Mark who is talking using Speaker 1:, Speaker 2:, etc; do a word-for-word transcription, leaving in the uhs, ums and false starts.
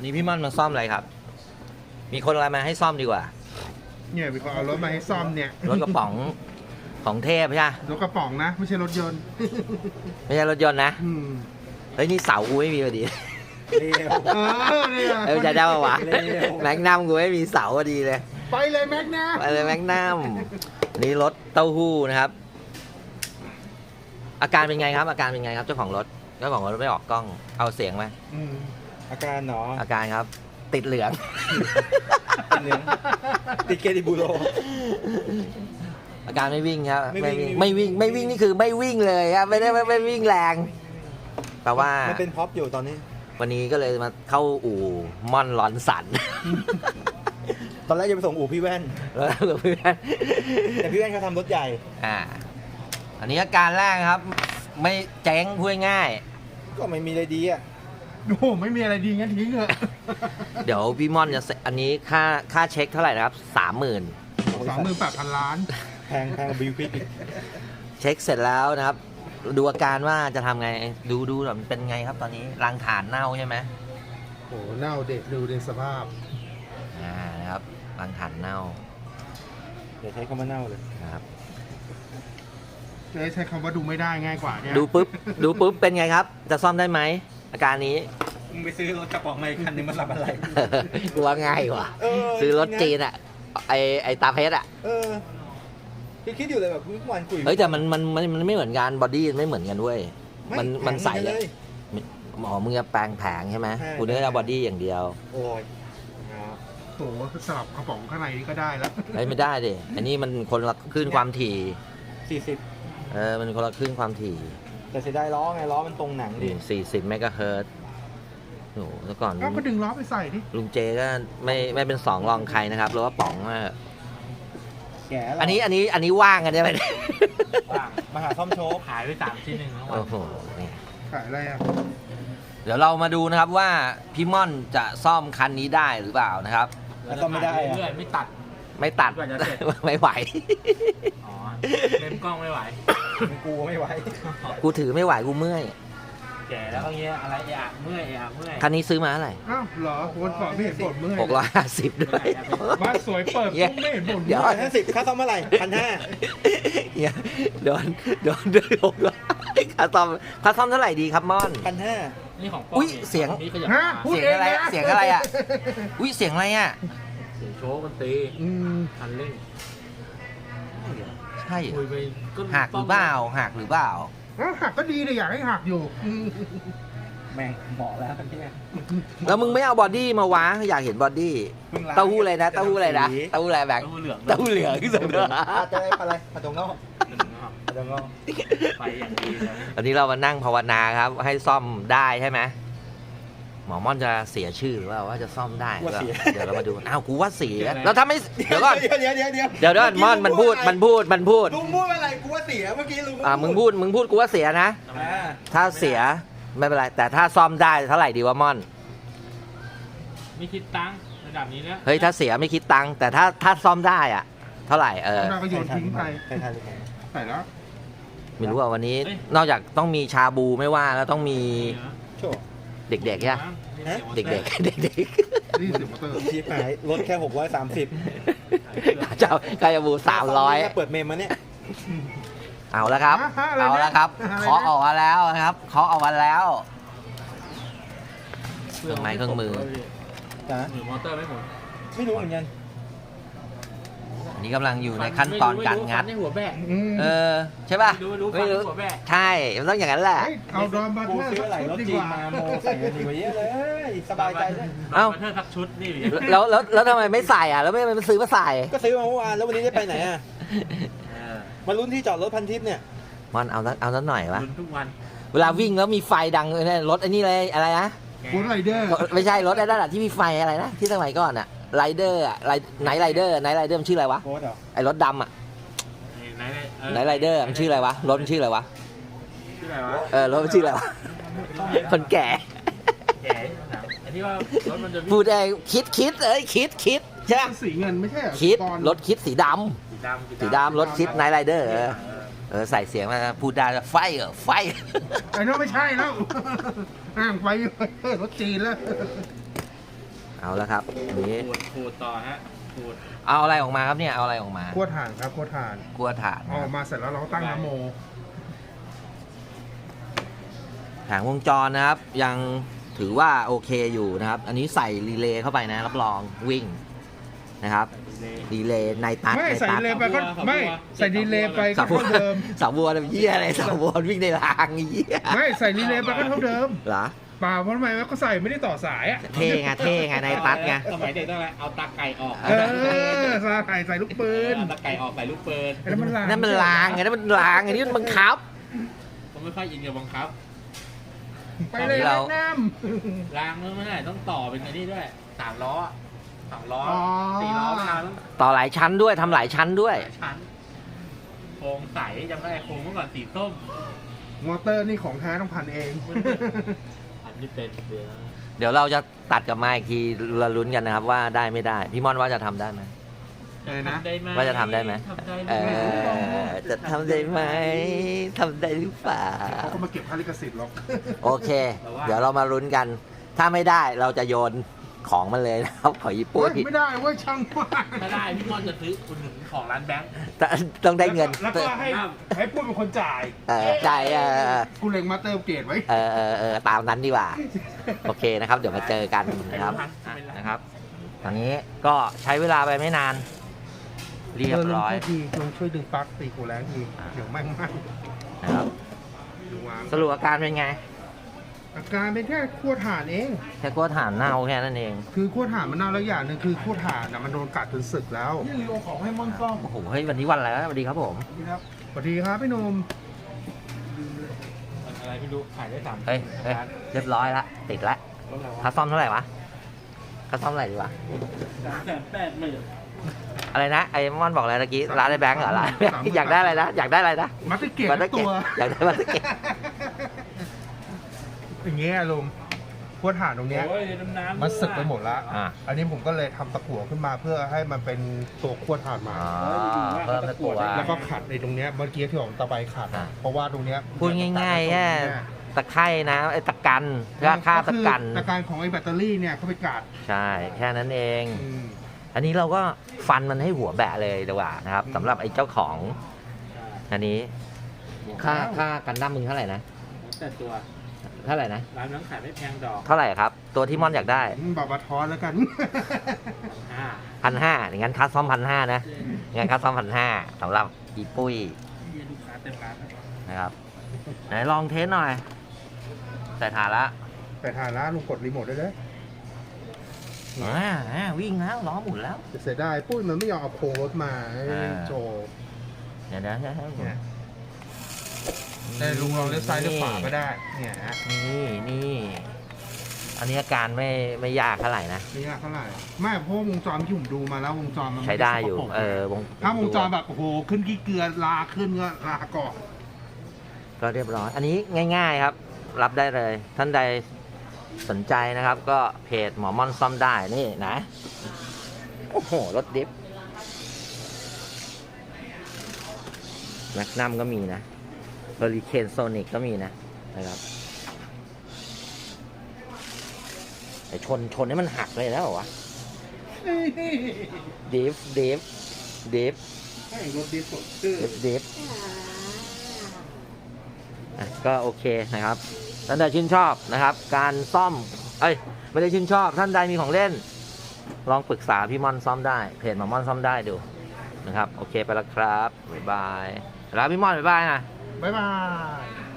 Speaker 1: นี่พี่ม่อนมาซ่อมอะไรครับ มีคนอะไรมาให้ซ่อมดีกว่า
Speaker 2: เนี่ยมีคนเอารถมาให้ซ่อมเนี่ย
Speaker 1: รถกระป๋องของเทพใช่ไหม
Speaker 2: รถกระป๋องนะไม่ใช่รถยนต์
Speaker 1: ไม่ใช่รถยนต์นะ
Speaker 2: อืม
Speaker 1: เฮ้ยนี่เสากูไม่มีพอดี
Speaker 3: เร็ว
Speaker 2: เออเนี่ย
Speaker 1: เอ้ยจะได้ปะวะ
Speaker 3: เร็ว
Speaker 1: แม็กนัมกูไม่มีเสาพอดีเลย
Speaker 2: ไปเลยแม็กนะ
Speaker 1: ไปเลยแม็กนัมนี่รถเต้าหู้นะครับ อาการเป็นไงครับ อาการเป็นไงครับเจ้าของรถเจ้าของรถไม่ออกกล้องเอาเสียงไหม
Speaker 2: อืม
Speaker 3: อาการเนาะ
Speaker 1: อาการครับ ติดเหลือง
Speaker 3: เหลืองติดเกดิบูโร
Speaker 1: อาการไม่วิ่งครับ
Speaker 3: ไม่
Speaker 1: ไม่
Speaker 3: วิ่
Speaker 1: วิ่ง
Speaker 3: ง
Speaker 1: ไม่วิ่งไม่วิ่งนี่คือไม่วิ่งเลยครับไม่ได้ไม่ไม่วิ่งแรงแปลว่า
Speaker 3: มันเป็นพ็อปอยู่ตอนนี้
Speaker 1: วันนี้ก็เลยมาเข้าอู่ม่อนลอนสัน
Speaker 3: ตอนแรกจะไปส่งอู่พี่แว่น
Speaker 1: แล้วกับเพื่อน
Speaker 3: แต่พี่แว่นเขาทำรถใหญ่
Speaker 1: อ่าอันนี้อาการแรกครับ ไม่แจ้งพูดง่าย
Speaker 3: ก็ไม่มีอะไรดีอ่ะ
Speaker 2: โอ้โหไม่มีอะไรดีงั้นทิ้งเถอะ
Speaker 1: เดี๋ยวพี่ม่อนจะเสร็จอันนี้ค่าค่าเช็คเท่าไหร่นะครับสามหมื่น
Speaker 2: สามหมื่นแปดพันล้าน
Speaker 3: แพงแพงบิวควิกอีก
Speaker 1: เช็คเสร็จแล้วนะครับ ดูอาการว่าจะทำไงดูดูหน่อยมันเป็นไงครับตอนนี้รังฐานเน่าใช่ไหม
Speaker 2: โอ้โหเน่าเด็กดูในสภาพ
Speaker 1: อ่านะครับรังฐานเน่า
Speaker 3: เดี๋ยวใช้คำว่าเน่าเลย
Speaker 1: นะครับ
Speaker 2: จะใช้คำว่าดูไม่ได้ง่ายกว่าเนี่ย
Speaker 1: ดูปุ๊บดูปุ๊บเป็นไงครับ จะซ่อมได้ไหมอาการนี้
Speaker 3: มึงไปซื้อรถกระป๋องมาอีกคันนึงมันรับอะไร
Speaker 1: กลัวง่ายว่ะ
Speaker 3: เออ
Speaker 1: ซื้อรถจีนอ่ะไอไอตาเพชรอ่ะ
Speaker 3: เออคิดคิดอยู่เลยแบบเมื่อวานคุย
Speaker 1: เฮ้ยแต่มันมันมันมันไม่เหมือนกันบอดี้ไม่เหมือนกันด้วย
Speaker 3: ไ
Speaker 1: มันมันใส่
Speaker 3: เล
Speaker 1: อะ
Speaker 3: ย
Speaker 1: หมอมึงจะแปลงแผงใช่ไหม
Speaker 3: ใช่
Speaker 1: กูนึกว่าบอดี้อย่างเดียว
Speaker 3: โอ้ยครับ
Speaker 2: โอ้โหสลับกระป๋องข้างในนี่ก็ได้แล้ว
Speaker 1: เฮ้ยไม่ได้ดิอันนี้มันคนละคลื่นความถี่
Speaker 3: สี่สิบ
Speaker 1: เออมันคนละคลื่นความถี่
Speaker 3: แต่เสียดายล้อไงล้อมันตรงหนังดิ
Speaker 1: สี่สิบเมกะเฮิรตซ์โอ้โหแล้วก่อน
Speaker 2: ก็ก็ดึงล้อไปใส่ดิ
Speaker 1: ลุงเจก็ไม่ไม่เป็นสองรองใครนะครับหรือว่าป๋องอะ
Speaker 3: แก่แล้ว
Speaker 1: อันนี้อันนี้อันนี้ว่างกันใช่ไหม
Speaker 3: ว่างมาหาซ่อมโชว์
Speaker 4: หายไปสามชิ้นหนึ่งแล้ววั
Speaker 1: โอ้
Speaker 4: น
Speaker 1: โหนี่
Speaker 2: ขายอะไรอ่ะ
Speaker 1: เดี๋ยวเรามาดูนะครับว่าพี่ม่อนจะซ่อมคันนี้ได้หรือเปล่านะครับ
Speaker 3: แล้วซ่อมไม่ได้อะ
Speaker 4: เรื่อยๆไม่ตัด
Speaker 1: ไม่ตัด
Speaker 4: กว่าจะเสร็จ
Speaker 1: ไม่ไหว
Speaker 4: อ๋อเล่มกล้องไม่ไหว
Speaker 3: มึงกูไม่ไหว
Speaker 1: กูถือไม่ไหวกูเมื่อย
Speaker 4: แก่แล้วก็เงี้ยอะไรเอะเมื่อยเอะเมื่อย
Speaker 1: คันนี้ซื้อมาเท่าไหร่
Speaker 2: อ้าวเหรอวนก่อนไม่เห็นบ่นเมื่อย
Speaker 1: หกร้อยห้าสิบด้วย
Speaker 2: บ้านสวยเปิดปุ๊บไม่เห็นบ่น
Speaker 1: เดี๋
Speaker 2: เมื่
Speaker 1: ยว
Speaker 2: อย
Speaker 3: ห้าสิบค่าซ่อมเมื่อไหร่พันห้า
Speaker 1: เนี่ยโดนโดนโดนหกร้อยค่าซ่อมค่าซ่อมเท่าไหร่ดีครับม่อน
Speaker 3: พันห้า
Speaker 4: นี่ของป้
Speaker 1: อุ๊ยเสียง
Speaker 4: นี่ขยับ
Speaker 2: ฮะ
Speaker 4: มา
Speaker 2: พูด
Speaker 1: เสียง
Speaker 2: เอง
Speaker 1: อะไร
Speaker 2: นะ
Speaker 1: เสียงอะไรอ่ะ อุ้ยเสียงอะไรอ่ะ
Speaker 4: เสียงโชว์มันตี
Speaker 2: อืม
Speaker 4: คันเร่ง
Speaker 1: ใช่
Speaker 4: คุยไปก็
Speaker 1: หักหรือเปล่าหักหรือเปล่า
Speaker 2: อ้าวหักก็ดีเลยอยากให้หักอยู่อืม
Speaker 3: แม่งเหมาะแล้วเนี่ย
Speaker 1: แล้วมึงไม่เอาบอดี้มาวะอยากเห็นบอดี้
Speaker 3: เพิ่งล้าง
Speaker 1: เต้าหู้อะไรนะเต้าหู้อะไรนะเต้าหู้อะไรแบงค์
Speaker 4: ตู้เหลือง
Speaker 1: เต้าหู้เหลืองที่สุดเลย
Speaker 3: อาจจะได้ปลาอะไรปลาตรงนอก
Speaker 4: หนึ่งนะครับ
Speaker 3: ปลาตรงนอก
Speaker 4: ไปอย่างดีเลย
Speaker 1: อันนี้เรามานั่งภาวนาครับ ให้ซ่อมได้ใช่ไหมหมอม่อนจะเสียชื่อหรือว่าว่าจะซ่อมได้หรือเปล่าเดี๋ยวเรามาดูอ้าวกูว่าเสียแล้วถ้าไม่เดี๋ยวก่อน
Speaker 3: เดี๋ยวเดี๋ยวเดี๋ยวเดี๋ยว
Speaker 1: เดี๋ยวเดี๋ยวม่อนมันพูดมันพูดมันพูด
Speaker 3: ลุงพูดอะไรกูว่าเสียเมื่อกี้ลุง
Speaker 1: อ่ามึงพูดมึงพูดกูว่าเสียนะ
Speaker 3: อ่า
Speaker 1: ถ้าเสียไม่เป็นไร แต่ถ้าซ่อมได้เท่าไหร่ดีวะม่อน
Speaker 4: ไม่คิดตังค์ระดับนี้แล้ว
Speaker 1: เฮ้ยถ้าเสียไม่คิดตังค์แต่ถ้าถ้าซ่อมได้อะเท่าไหร่เออ
Speaker 2: เราก็โยนทิ้งไป
Speaker 3: ใช่ใช่ใช่
Speaker 2: ใส่แล้ว
Speaker 1: ไม่รู้ว่าวันนี้นอกจากต้องมีชาบูไม่ว่าแล้วต้องมี
Speaker 3: โชว์
Speaker 1: เด็กๆใช่ไหมเด็กๆเด็กๆเด็ก
Speaker 2: นี่เสียงมอเตอร์
Speaker 3: ชีพหายลดแค่หกร้อยสามสิบ
Speaker 1: ๆเจ้าชาบูสามร้อย
Speaker 3: เปิดเมมมาเนี่ย
Speaker 1: เอาแล้วครับ เอาแล้วครับเคาะออกมาแล้วครับเคาะออกมาแล้ว เครื่องไม้เครื่องมือ
Speaker 3: จ้ะ
Speaker 4: หรือมอเตอร์ไม่หมด
Speaker 3: ไม่รู้เหมือนกัน
Speaker 1: อันนี้กำลังอยู่ในขั้นตอนการงัด
Speaker 4: ในหัวแบก
Speaker 2: อืม
Speaker 1: เออใช่ป่ะ
Speaker 4: ไม่รู้ไม่รู้ฟันในหัวแบก
Speaker 1: ใช่มันต้องอย่างนั้นแหละ
Speaker 2: เฮ้ยเอาดอมบัต
Speaker 3: กู
Speaker 2: เตอร์
Speaker 3: ซื้ออะไรรถ
Speaker 2: ดี
Speaker 3: จี
Speaker 2: ก
Speaker 3: น
Speaker 2: ว่า
Speaker 3: มาโมใส่กันดีกว่าเยอะเลย สบายใจด้วย
Speaker 1: เอ้า
Speaker 4: บัตเทอร์สักชุดนี่
Speaker 1: แล้วแล้วแล้วทำไมไม่ใส่อ่ะแล้วไม่ไม่ซื้อมาใส่
Speaker 3: ก็ซื้อมาเมื่อวานแล้ววันนี้ได้ไปไหนอ่ะ
Speaker 4: เออ
Speaker 3: มาลุ้นที่จอดรถพันทิพย์เนี่ย
Speaker 1: มันเอาสักเอาสักหน่อยวะ
Speaker 4: ลุ้นทุกวัน
Speaker 1: เวลาวิ่งแล้วมีไฟดังเลยนะรถไอ้นี่เลยอะไรนะ
Speaker 2: บูธไรเดอร์
Speaker 1: ไม่ใช่รถไอ้นั่นอะที่มีไฟอะไรนะที่สมัยก่อนอะไรเดอร์อะไรไนท์ไรเดอร์ไนท์ไรเดอร์มันชื่ออะไรวะ
Speaker 3: โค้ดเหรอ
Speaker 1: ไอ้รถดำอะ
Speaker 4: ไหนไหนเออ
Speaker 1: ไนท์ไรเดอร์มันชื่ออะไรวะรถมันชื่ออะไรวะ
Speaker 4: ชื่ออะไรวะ
Speaker 1: เออรถมันชื่ออะไรวะคนแก่
Speaker 4: แก่อันที่ว่ารถมันจะวิ่ง
Speaker 1: พูดได้คิดคิดเอ้ยคิดคิดใช่ไหม
Speaker 2: สีเงินไม่ใช่เหรอ
Speaker 1: คิด
Speaker 2: ก่อน
Speaker 1: รถคิดสีด
Speaker 4: สีดำ
Speaker 1: ำสีดำรถคิดไนท์ไรเดอร์เออเออใส่เสียงมาพูดได้ไฟเออไฟ
Speaker 2: ไอ้นั่นไม่ใช่แล้ว อ่างไปรถจีนแล้ว
Speaker 1: เอาแล้วครับอันนี้
Speaker 4: ขูดขูดต่อฮะขูด
Speaker 1: เอาอะไรออกมาครับเนี่ยเอาอะไรออกมา
Speaker 2: ขั้วถ่านครับขั้วถ่าน
Speaker 1: กลัวถ่าน
Speaker 2: เอาออกมาเสร็จแล้วเราก็ตั้งน้ำโม
Speaker 1: แผงวงจรนะครับ ยังถือว่าโอเคอยู่นะครับ อันนี้ใส่รีเลย์เข้าไปนะรับรองวิ่งนะครับ
Speaker 4: เลย
Speaker 1: รีเลย์ในตัด
Speaker 2: ไม่
Speaker 1: ใน
Speaker 2: ใส่
Speaker 1: ตัด
Speaker 2: ดีเลย์ไปก็
Speaker 4: สาวบัว
Speaker 2: ไม่ใส่ดีเลย์ไปก็
Speaker 1: สาวบัว
Speaker 2: เท่าเดิม
Speaker 1: สาวบัวเนี่ยเยี่ยอะไรสาวบัววิ่งในรางเยี่ย
Speaker 2: ไม่ใส่ดีเลย์ไปก็เท่าเดิม
Speaker 1: เหรอ
Speaker 2: เปล่าเพราะทำไมวะก็ใส่ไม่ได้ต่อสายอ่ะ
Speaker 1: เท่ไงเท่ไงในตัดไง
Speaker 4: สมัยเด็กต้องอะไรเอาตาไก่ออก
Speaker 2: เออใส่ใส่ลูกปืน
Speaker 4: เอาตาไก่ออกใส่ลูกปืน
Speaker 2: ไอ้นั่นมันลาง
Speaker 1: นั่นมันรางไงนั่นมันรางไงนี่มันบังคับ
Speaker 4: ผมไม่ค่อยอินกับบังคับ
Speaker 2: ไปเลย
Speaker 1: เรา
Speaker 2: น้
Speaker 4: รางไม่ได้ต้องต่อเป็นอันนี้ด้วยสามล้อสองล้อ
Speaker 2: อ๋อ
Speaker 4: สี่ล้อมาต้อง
Speaker 1: ต่อหลายชั้นด้วยทำหลายชั้นด้วย
Speaker 4: หลายชั้นโครงใสจำได้โครงเมื่อก่อนสีส้ม
Speaker 2: ำมอเตอร์นี่ของแท้ต้องพันเอง
Speaker 4: อันนี้เป็นเดือน
Speaker 1: เดี๋ยวเราจะตัดกลับมาอีกทีเราลุ้นกันนะครับว่าได้ไม่ได้ พี่มอนว่าจะทำได้ไหม
Speaker 2: อะไรนะ
Speaker 4: ทำได้ไหม
Speaker 1: ว่าจะทำได้ไหม
Speaker 4: ทำได้
Speaker 1: เอ
Speaker 4: ไหม
Speaker 1: อจะทำได้ไหมทำได้หรือเปล่า
Speaker 2: เขาก็มาเก็บค่าลิขสิทธิ์หรอก
Speaker 1: โอเค เดี๋ยวเรามาลุ้นกัน ถ้าไม่ได้เราจะโยนของมันเลยนะครับของญี่ปุ่
Speaker 2: เฮ้
Speaker 1: น
Speaker 2: ยไม่ได้เว้ยช่างมาก
Speaker 4: ถ้าได้พี่มอนจะซื้อคุณหนึ่งของร้านแบงค์
Speaker 1: แต่ต้องได้เงิน
Speaker 2: แล้วก็ให้ให้พูดเป็นคนจ่าย
Speaker 1: เออจ่ายเออ
Speaker 2: กูเล็งมาเตอร์เกรดไว้
Speaker 1: เออเออเออตามนั้นดีกว่า โอเคนะครับ เดี๋ยวมาเจอกันนะครับอ่ะนะครับ ตอนนี้ก็ใช้เวลาไปไม่นาน เรียบร้อย
Speaker 2: เลุงช่วยทีลุงช่วยดึงปลั๊กตีกูแรงทีเดี๋ยวแม่งไหม้
Speaker 1: นะครับ
Speaker 2: ดูวาง
Speaker 1: สรุปอาการเป็นไง
Speaker 2: อาการเป็นแค่ขั้วถ่านเอง
Speaker 1: แค่กลัวถ่านเน่าแค่นั้นเอง
Speaker 2: คือขั้วถ่านมันเน่าแล้วอย่างหนึ่งคือขั้วถ่านนะมันโดนกัดจนสึกแล้วนี่รีโอของให้มอนซ่อม
Speaker 1: โอ้โหเฮ้ยวันนี้วันอะไรวะสวัสดีครับผม
Speaker 2: ครับสวัสดีครับพี่หนุ่ม
Speaker 4: มันอะไรไม่รู้ขายได้สาม
Speaker 1: เฮ้ยเฮ้ยเรียบร้อยละติดละค่าซ่อมเท่าไหร่วะค่าซ่อมเท่าไหร่ดีวะ
Speaker 4: สามแสนแปดหมื่น
Speaker 1: อะไรนะไอ้มอนบอกอะไรเมื่อกี้ร้านไอ้แบงค์เหรอร้านไอ้แบงค์อยากได้อะไรนะอยากได้อะไรนะ
Speaker 2: มัตเตอร์เกรด
Speaker 1: บัตเตอ
Speaker 2: ทั้
Speaker 1: ร์
Speaker 2: ง
Speaker 1: เก
Speaker 2: ตัว
Speaker 1: อยากได้บัตเตอร์เกต
Speaker 2: อย่างเงี้ยลุงขั้วถ่านตรงเนี้ย
Speaker 4: โอ้ยน้ำน้ำ
Speaker 2: มันสึกไปหมดละ
Speaker 1: อ่า
Speaker 2: อันนี้ผมก็เลยทำตะกั่วขึ้นมาเพื่อให้มันเป็นตัวขั้วถ่านมา
Speaker 1: อ๋อเพิ่มตะกั่ว
Speaker 2: แล้วก็ขัดในตรงเนี้ยเมื่อกี้ที่ผมตะไบขัด
Speaker 1: อ่า
Speaker 2: เพราะว่าตรงเนี้ย
Speaker 1: พูดง่ายๆแค่ตะไคร่นะไอ้ตะกันราคาตะกัน
Speaker 2: คือตะกันของไอ้แบตเตอรี่เนี่ยเขาไปกัด
Speaker 1: ใช่แค่นั้นเอง
Speaker 2: อืม
Speaker 1: อันนี้เราก็ฟันมันให้หัวแบะเลยดีกว่านะครับสำหรับไอ้เจ้าของอันนี้ค่าค่ากันดั้มมึงเท่าไหร่นะ
Speaker 4: แต่ตัว
Speaker 1: เท่าไหร่นะ
Speaker 4: ร้านน้ำขายไม่แพงดอก
Speaker 1: เท่าไหร่ครับ ตัวที่ม่อนอยากได้
Speaker 2: บอกมาทอนแล้วกัน
Speaker 4: อ่า
Speaker 1: พันห้าอย่างนั้นค่าซ่อมพันห้านะงั้นค่าซ่อมพันห้าสำหรับอีปุ้ย
Speaker 4: เยี่ยลูกค้าเต็มร้านนะ
Speaker 1: นะครับไหนลองเทสหน่อยใส่ถ่านละ
Speaker 2: แต่ถ่านละลุงกดรีโมทได้เลย
Speaker 1: อ่าอ่าวิ่งแล้วล้อหมุนแล้ว
Speaker 2: จะเสียดายปุ้ยมันไม่ยอมเอาโครงรถมาให้
Speaker 1: อ่า
Speaker 2: โจ
Speaker 1: เดี๋ยวเดี๋ยวเดี๋ยวให้ผม
Speaker 2: เนี่ยแต่ลุงลองเลี้ยวซ้ายเลี้ยวขวาก็ได้ เนี่ยฮะ
Speaker 1: นี่นี่ อันนี้อาการไม่ไม่ยากเท่าไหร่นะ
Speaker 2: นี่เท่าไหร่ไม่เพราะวงจรที่ผมดูมาแล้ววงจรมัน
Speaker 1: ใช้ได้อยู่
Speaker 2: ม่สกปรก
Speaker 1: เออวง
Speaker 2: ถ้าวงจรแบบโอ้โหขึ้นขี้เกลือลาขึ้นก็ลาก่อน
Speaker 1: ก็เรียบร้อย อันนี้ง่ายๆครับ รับได้เลย ท่านใดสนใจนะครับ ก็เพจหมอม่อนซ่อมได้นี่นะ โอ้โห รถดิฟแมกนัมก็มีนะเฮอริเคนโซนิกก็มีนะนะครับไอชนชนให้มันหักเลยแล้วเหรอวะดิฟดิฟดิฟ
Speaker 2: ให้รถดีสดชื่อ
Speaker 1: ดิฟดิฟอ่ะก็โอเคนะครับท่านใดชื่นชอบนะครับ การซ่อมเอ้ยไม่ได้ชื่นชอบ ท่านใดมีของเล่น ลองปรึกษาพี่ม่อนซ่อมได้เพจหมอม่อนซ่อมได้ดูนะครับโอเคไปแล้วครับบ๊ายบายแล้วพี่ม่อนบ๊ายบายนะ
Speaker 2: บ๊ายบาย